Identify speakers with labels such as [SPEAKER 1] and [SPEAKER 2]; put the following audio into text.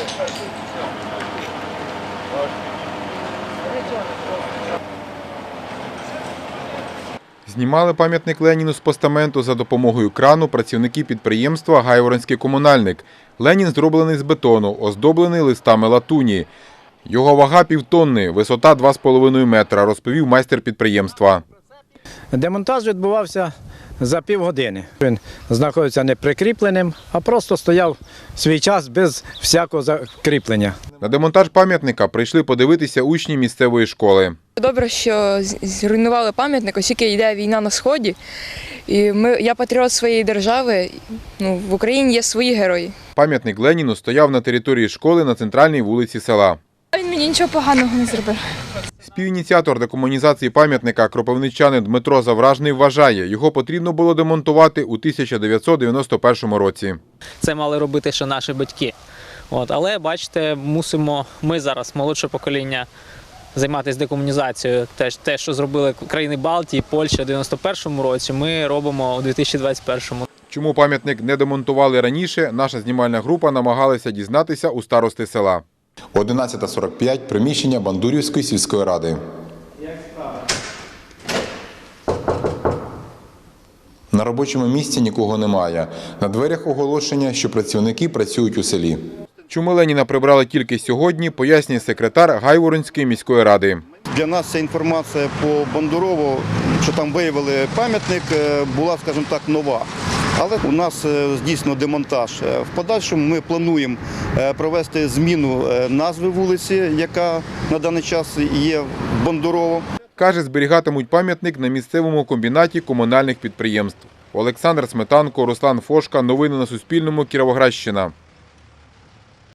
[SPEAKER 1] Знімали пам'ятник Леніну з постаменту за допомогою крану працівники підприємства «Гайворонський комунальник». Ленін зроблений з бетону, оздоблений листами латуні. Його вага – півтонни, висота – 2,5 метра, розповів майстер підприємства.
[SPEAKER 2] Демонтаж відбувався за півгодини. Він знаходиться не прикріпленим, а просто стояв свій час без всякого закріплення.
[SPEAKER 1] На демонтаж пам'ятника прийшли подивитися учні місцевої школи.
[SPEAKER 3] Добре, що зруйнували пам'ятник, оскільки йде війна на Сході. І я патріот своєї держави, в Україні є свої герої.
[SPEAKER 1] Пам'ятник Леніну стояв на території школи на центральній вулиці села.
[SPEAKER 3] Він мені нічого поганого не зробив.
[SPEAKER 1] Співініціатор декомунізації пам'ятника кропивничанин Дмитро Завражний вважає, його потрібно було демонтувати у 1991 році.
[SPEAKER 4] Це мали робити ще наші батьки. Але, бачите, мусимо ми зараз, молодше покоління, займатися декомунізацією. Те, що зробили країни Балтії, Польща у 91-му році, ми робимо у 2021-му.
[SPEAKER 1] Чому пам'ятник не демонтували раніше, наша знімальна група намагалася дізнатися у старости села. 11:45. Приміщення Бандурівської сільської ради. На робочому місці нікого немає. На дверях оголошення, що працівники працюють у селі. Чому Леніна прибрали тільки сьогодні, пояснює секретар Гайворонської міської ради.
[SPEAKER 5] Для нас ця інформація по Бандурову, що там виявили пам'ятник, була, скажімо так, нова. Але у нас здійснено демонтаж. В подальшому ми плануємо провести зміну назви вулиці, яка на даний час є Бандурово.
[SPEAKER 1] Каже, зберігатимуть пам'ятник на місцевому комбінаті комунальних підприємств. Олександр Сметанко, Руслан Фошка. Новини на Суспільному. Кіровоградщина.